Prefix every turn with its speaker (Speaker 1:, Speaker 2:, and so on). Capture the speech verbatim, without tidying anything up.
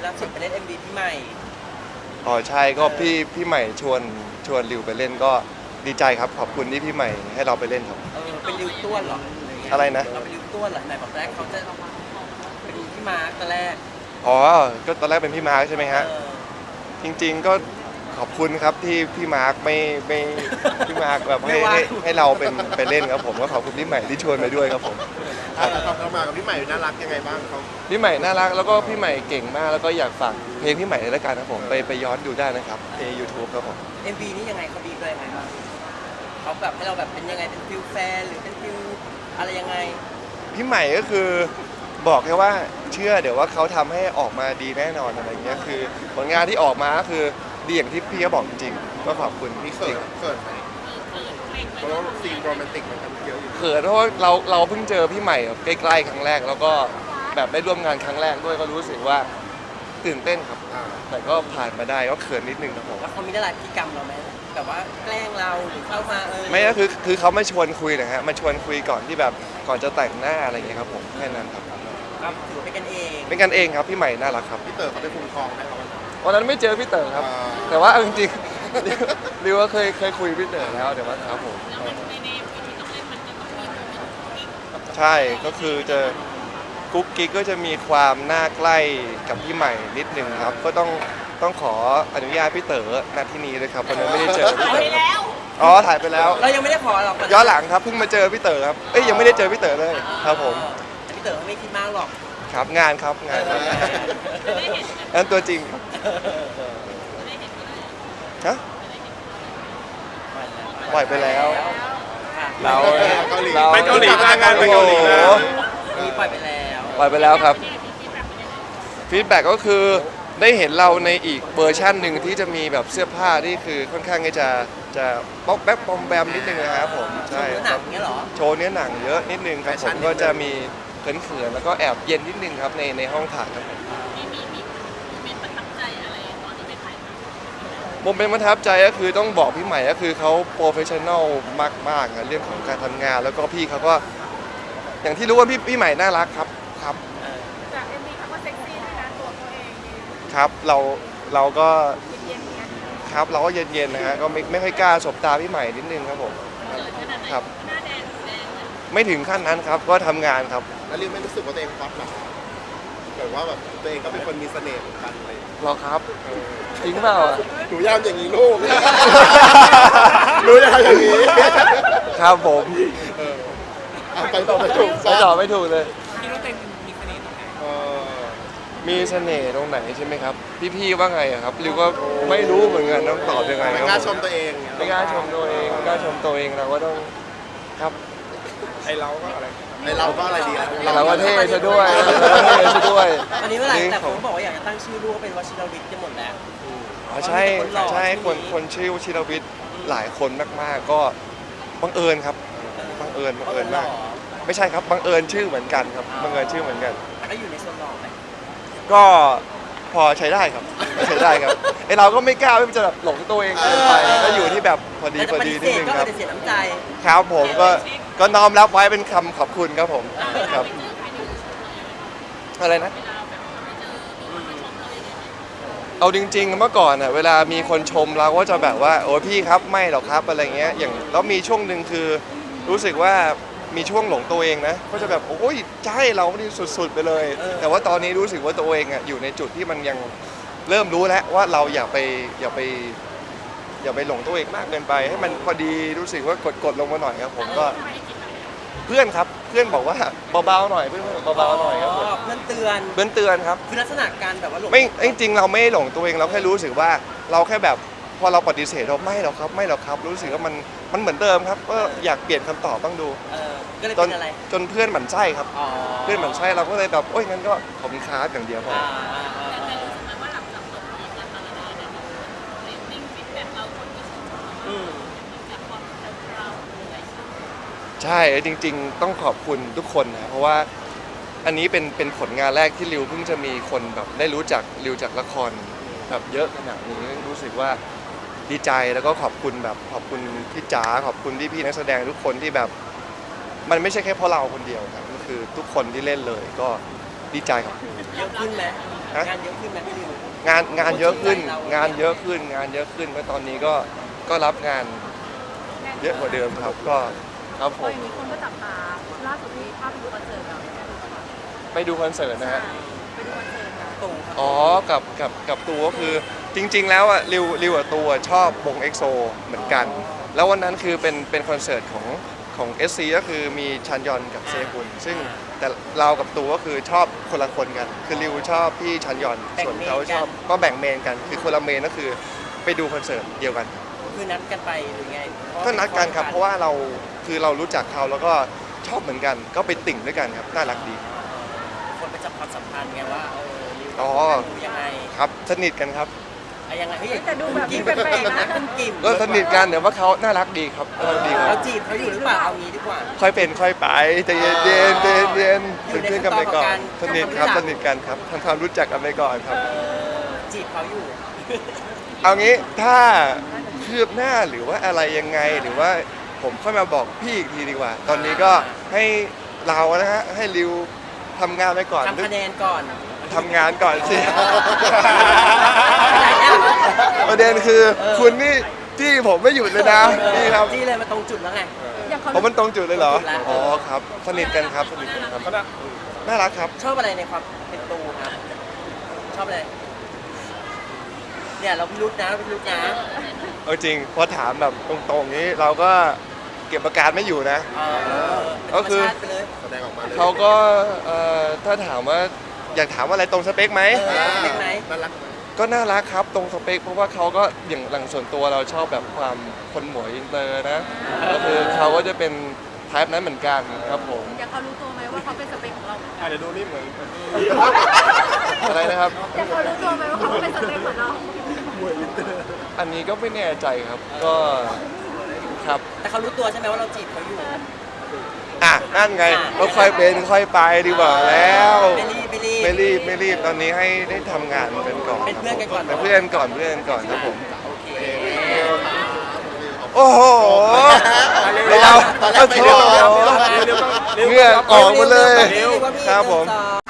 Speaker 1: ล่าสุดไปเล่น เอ็ม วี พี่ใหม่
Speaker 2: อ๋อใช่ก็พี่พี่ใหม่ชวนชวนริวไปเล่นก็ดีใจครับขอบคุณที่พี่ใหม่ให้เราไปเล่นครับ
Speaker 1: เออเป็นริวต้วนเหรอ
Speaker 2: อะไรนะ
Speaker 1: เราเป็นริวต้วนเหรอไหนบอกแรกเขาจะเป็นพี่มาร์คตอนแรก
Speaker 2: อ๋อก็ตอนแรกเป็นพี่มาร์คใช่ไหมฮะจริงๆก็ขอบคุณครับที่พี่มาร์คไม่ไม่พี่มาร์คแบบให้ให้ให้เราเป็นไปเล่นครับผมก็ขอบคุณพี่ใหม่ที่ชวนไปด้วยครับผม
Speaker 3: เราทำมากับพี่ใหม่น่ารักยังไงบ้างเขา
Speaker 2: พี่ใหม่น่ารักแล้วก็พี่ใหม่เก่งมากแล้วก็อยากฝากเพลงพี่ใหม่ในรายการครับผมไปไปย้อนดูได้นะครับใน ยูทูบ ครับผม
Speaker 1: เอ็ม วี นี่ยังไงเขาบีบเลยไงบ้างเขาแบบให้เราแบบเป็นยังไงเป็นฟิลแฟนหรือเป็นฟิลอะไรยังไง
Speaker 2: พี่ใหม่ก็คือบอกแค่ว่าเชื่อเดี๋ยวว่าเขาทำให้ออกมาดีแน่นอนอะไรเงี้ยคือผลงานที่ออกมาก็คือดีอย่างที่พี่เขาบอกจริงๆก็ขอบคุณ
Speaker 3: มีเขินเขินไหมเพราะว่าซีนโรแมนติกมันเยอะอยู่
Speaker 2: เขินเพราะว่าเราเราเพิ่งเจอพี่ใหม่ใกล้ๆครั้งแรกแล้วก็แบบได้ร่วมงานครั้งแรกด้วยก็รู้สึกว่าตื่นเต้นครับแต่ก็ผ่านมาได้ก็เขินนิดนึงครับผม
Speaker 1: แล้วเขามีได้หลายพฤติกรรมเราไหมแบบว่าแกล้งเราหรือเข้ามาเออ
Speaker 2: ไม่ก็คือคือเขามาชวนคุยนะฮะมาชวนคุยก่อนที่แบบก่อนจะแต่งหน้าอะไรอย่างเงี้ยครับผมแค่นั้นครับ
Speaker 1: ก็ถือเป็นกันเอง
Speaker 2: เป็นกันเองครับพี่ใหม่น่ารักครับ
Speaker 3: พี่เต๋อเขาได้คุ้มครองไหมครับ
Speaker 2: วันนั้นไม่เจอพี่เต๋อครับแต่ว่าจริงๆริวว่าเคยเคยคุยพี่เต๋อแล้วเดี๋ยวว่าครับผมใช่ก็คือจะกุ๊กกิ๊กก็จะมีความน่าใกล้กับพี่ใหม่นิดนึงครับก็ต้องต้องขออนุญาตพี่เต๋อณที่นี้เลยครับวันนั้นไม่ได้เจอพี่เต๋ออ๋อถ่ายไปแล้ว
Speaker 1: เรายังไม่ได้ขอหรอก
Speaker 2: ย้อนหลังครับเพิ่งมาเจอพี่เต๋อครับเอ้ยยังไม่ได้เจอพี่เต๋อเลยครับผม
Speaker 1: พี่เต๋อไม่คิดมากหรอก
Speaker 2: ครับงานครับงานครับนั่นตัวจริงครับฮะปล่อยไปแล้วเรา
Speaker 3: เราไปเกาหลีมางานไปเกาหลีแล้ว
Speaker 1: มีปล่อยไปแล้ว
Speaker 2: ปล่อยไปแล้วครับฟีดแบ็กก็คือได้เห็นเราในอีกเวอร์ชั่นหนึ่งที่จะมีแบบเสื้อผ้าที่คือค่อนข้างจะจะป๊อกแป๊บปอมแบมนิดนึงนะครับผม
Speaker 1: ใช่ครับ
Speaker 2: โชว์เนื้อหนังเยอะนิดนึงครับผมก็จะมีเขินๆแล้วก็แอบเย็นนิดนึงครับในในห้องถ่ายครับผมโมเมนต์ประทับใจก็คือต้องบอกพี่ใหม่ก็คือเขาโปรเฟชชั่นอลมากๆนะเรื่องของการทำงานแล้วก็พี่เขาก็อย่างที่รู้ว่าพี่พี่ใหม่น่ารักครับครับ
Speaker 4: จากเอ็มวีเขาก็เซ็กซี่ด้วยนะตัวเขาเอง
Speaker 2: ครับเราเราก็ครับเราก็เย็นๆนะฮะก็ไม่ไม่ค่อยกล้าสบตาพี่ใหม่นิดนึงครับผมครับไม่ถึงขั้นนั้นครับก็ทำงานครับ
Speaker 3: แล้วริวไม่รู้สึกว่าตัวเองป๊อปหรอแบบว่าแบบตัวเองก็เป็นคนมีเสน่ห์เหมือนกันเลย
Speaker 2: หรอครับจริงเปล่า
Speaker 3: หนูย่ามอย่างนี้ลูกหนูย่ามอย่างนี้
Speaker 2: ครับผม
Speaker 3: ไปต่อไม่ถูก
Speaker 2: ไปต่อไม่ถูกเลย
Speaker 1: พี่รู้ตัวมีเสน่ห์ตรงไหน
Speaker 2: มีเสน่ห์ตรงไหนใช่ไหมครับพี่ๆว่าไงครับริวก็ไม่รู้เหมือนกันต้องตอบยังไง
Speaker 3: ไม่กล้าชมตัวเอง
Speaker 2: ไม่กล้าชมตัวเองไม่กล้าชมตัวเองเราก็ต้องครับ
Speaker 3: ไอเราก็อะไรไอเราก็อะไรดี
Speaker 2: เราก็เท่ซะด้วยเราเท่ซะด้วย
Speaker 1: อันนี้เมื่อไหร่แต่ผมบอกว่าอยากจะตั้งชื่อลูกเป็นวชิรวิทย์จะหมดแล้ว
Speaker 2: อ๋อใช่ใช่คนคนชื่อวชิรวิทย์หลายคนมากๆก็บังเอิญครับบังเอิญบังเอิญมากไม่ใช่ครับบังเอิญชื่อเหมือนกันครับบังเอิญชื่อเหมือนกัน
Speaker 1: แต่ก็อยู่ในโซนหล่อไหม
Speaker 2: ก็พอใช้ได้ครับใช้ได้ครับไอเราก็ไม่กล้าไม่จะแบบหลงตัวเองเกินไปก็อยู่ที่แบบพอดีพอดีนิดนึงครับ
Speaker 1: ก็เสียน้ำใจ
Speaker 2: ครับผมก็ก็น้อมรับไว้เป็นคำขอบคุณครับผมครับอะไรนะเอาจริงๆเมื่อก่อนอ่ะเวลามีคนชมเราก็จะแบบว่าโอ้พี่ครับไม่หรอกครับอะไรเงี้ยอย่างแล้วมีช่วงหนึ่งคือรู้สึกว่ามีช่วงหลงตัวเองนะก็จะแบบโอ้ยใช่เรานี่สุดๆไปเลยแต่ว่าตอนนี้รู้สึกว่าตัวเองอ่ะอยู่ในจุดที่มันยังเริ่มรู้แล้วว่าเราอย่าไปอย่าไปอย่าไปหลงตัวเองมากเกินไปให้มันพอดีรู้สึกว่ากดๆลงมาหน่อยครับผมก็เพื่อนครับเพื่อนบอกว่าเบาๆหน่อยเพื่อนเบาๆหน่อยครับ
Speaker 1: เพื่อนเตือน
Speaker 2: เพื่อนเตือนครับ
Speaker 1: คือลักษณะการแบบว่าหลง
Speaker 2: ไม่จริงเราไม่หลงตัวเองเราแค่รู้สึกว่าเราแค่แบบพอเราปฏิเสธเราไม่หรอกครับไม่หรอกครับรู้สึกว่ามันมันเหมือนเดิมครับก็อยากเปลี่ยนคำตอบบ้างดู
Speaker 1: จน
Speaker 2: จนเพื่อนหมั่นไส้ครับเพื่อนหมั่นไส้เราก็เลยแบบโอ้ยงั้นก็ขอบคุณครับอย่างเดียวพอใช่จริงๆต้องขอบคุณทุกคนนะเพราะว่าอันนี้เป็นเป็นผลงานแรกที่ริวเพิ่งจะมีคนแบบได้รู้จักริวจากละครแบบเยอะขนาดนี้รู้สึกว่าดีใจแล้วก็ขอบคุณแบบขอบคุณพี่จ๋าขอบคุณพี่พี่นักแสดงทุกคนที่แบบมันไม่ใช่แค่เพราะเราคนเดียวครับก็คือทุกคนที่เล่นเลยก็ดีใจครับ
Speaker 1: เยอะขึ้นไหม
Speaker 2: ฮะ
Speaker 1: งานเยอะขึ้นไหมพี่ริว
Speaker 2: งานงานเยอะขึ้น
Speaker 1: คนสนใจเรา
Speaker 2: งานเยอะขึ้นงานเยอะขึ้นเพราะตอนนี้ก็ก็รับงานเยอะกว่าเดิมครับก็ครับผ
Speaker 4: ก็
Speaker 2: ม
Speaker 4: อย่างนี้คนก็จับตาล่าสุดนี้ภาพไปดูคอนเสิร์ตเรา
Speaker 2: ไปดูคอนเสิร์ตนะฮะ
Speaker 4: ไปดูคอนเสิร์ตเรา
Speaker 1: ตรงครับ
Speaker 2: อ๋อกับกับกับตัวก็คือจริง ๆ แล้วอ่ะริวริวกับตัวชอบวงเอ็กโซเหมือนกัน แล้ววันนั้นคือเป็นเป็นคอนเสิร์ตของของ เอส ซี ก็คือมีชันยอนกับเซฮุนซึ่งแต่เรากับตัวก็คือชอบคนละคนกัน คือริวชอบพี่ชันยอนส่วนเขาชอบก็แบ่งเมนกัน คือคนละเมนก็คือไปดูคอนเสิร์ตเดียวกัน
Speaker 1: คือนัดกันไปหรือไงเพราะ
Speaker 2: ก็นัดกันครับเพราะว่าเราคือเรารู้จักเขาแล้วก็ชอบเหมือนกัน ก็ไปติ่งด้วยกันครับน่ารักดี
Speaker 1: คนไปจับความสัมพันธ์ไงว่าเออริว
Speaker 2: อ๋อ
Speaker 1: ดูยังไง
Speaker 2: ครับสนิทกันครับ
Speaker 1: อะยังไงเฮ้ย
Speaker 4: แต่ดูแบบ
Speaker 1: กิ
Speaker 4: นี้
Speaker 1: ม
Speaker 4: แปลกๆนะ
Speaker 1: คุณกิม
Speaker 2: ก็สนิทกันแต่ว่าเขาน่ารักดีครับน่ารักดีค
Speaker 1: เรา
Speaker 2: รับ
Speaker 1: จีบเขาอยู่หรือเปล่าเอางี้ดีกว่า
Speaker 2: ค่อยเป็นค่อยไปใจเย็นๆใจเย็นๆเย็นๆ
Speaker 1: อยู่
Speaker 2: เป็น
Speaker 1: ใน
Speaker 2: เพื่อนกันไปก่อน
Speaker 1: ขั้
Speaker 2: ส
Speaker 1: นตอนของการ
Speaker 2: นิทครับ
Speaker 1: ทำความรู้จัก
Speaker 2: สนิทกันครับทำความรู้จักกันไปก่อนครับ
Speaker 1: จีบเขาอยู่
Speaker 2: เอางี้ถ้าคืบหน้าหรือว่าอะไรยังไงหรือว่าผมค่อยมาบอกพี่อีกทีดีกว่า ตอนนี้ก็ให้เรานะฮะให้ริวทำงานไปก่อน
Speaker 1: ทำคะแนนก่อน
Speaker 2: ทำงานก่อนสิ
Speaker 1: ไหนอะ
Speaker 2: ประเด็นคือคุณนี่ที่ผมไม่หยุดเลยนะนี่ครับ
Speaker 1: จี้เลยมาตรงจุดแล้วไง
Speaker 4: อย่างเขา
Speaker 2: ผมมันตรงจุดเลยเหรอ
Speaker 1: ตรงจุดแล้ว
Speaker 2: อ๋อครับ สนิทกันครับสนิทกันครับน่ารักครับ
Speaker 1: ชอบอะไรในความเป็นตูครับ ชอบอะไร เนี่ยเราพิรุษนะเราพิรุษนะ
Speaker 2: เอาจริงพอถามแบบตรงๆนี้เราก็เก็บอาการไม่อยู่นะ
Speaker 1: เออ
Speaker 2: ก็คือ
Speaker 1: เป็นธรรมชาติไปเลย
Speaker 3: แสดงออกมาเลย
Speaker 2: เขาก็เอ่อถ้าถามว่าอยากถามว่าอะไรตรงสเปคไหม
Speaker 1: เออเป็นไหม
Speaker 3: น่ารักไหม
Speaker 2: ก็น่ารักครับตรงสเปคเพราะว่าเขาก็อย่างหลังส่วนตัวเราชอบแบบความคนหมวยอินเตอร์นะก็คือเขาก็จะเป็นไทป์นั้นเหมือนกันครับผม
Speaker 4: อย่างเขารู้ตัวไหมว่าเขาเป็นสเปคของเราเหมือนกัน
Speaker 3: อาจจะดูนี่เหมือน
Speaker 2: อะไรนะครับ
Speaker 4: อย่างเขารู้ตัวไหมว่าเขาเป็นสเปคเหมือนเรา
Speaker 2: อันนี้ก็ไม่แน่ใจครับก็ครับ
Speaker 1: แต่เขารู้ตัวใช่ไหมว่าเราจีบเขาอยู่
Speaker 2: อ่ะนั่นไงก็ค่อยเป็นค่อยไปดีกว่าแล้ว
Speaker 1: ไม่รีบไม่รีบ
Speaker 2: ไม่รีบไม่รีบตอนนี้ให้ได้ทำงานกันก่อน
Speaker 1: เป็นเพื่อนกันก่อน
Speaker 2: เป็นเพื่อนก่อนเพื่อนก่อนครับผม
Speaker 1: โอเค
Speaker 2: โอ้โหเรา
Speaker 3: ตอนแร
Speaker 2: เอา
Speaker 3: กไม่
Speaker 2: โถ
Speaker 3: เร็ว
Speaker 2: เหงื่อออกหมาเลย
Speaker 1: เร็วๆว่าพี่
Speaker 2: ครับผม
Speaker 1: หนึ่งสอง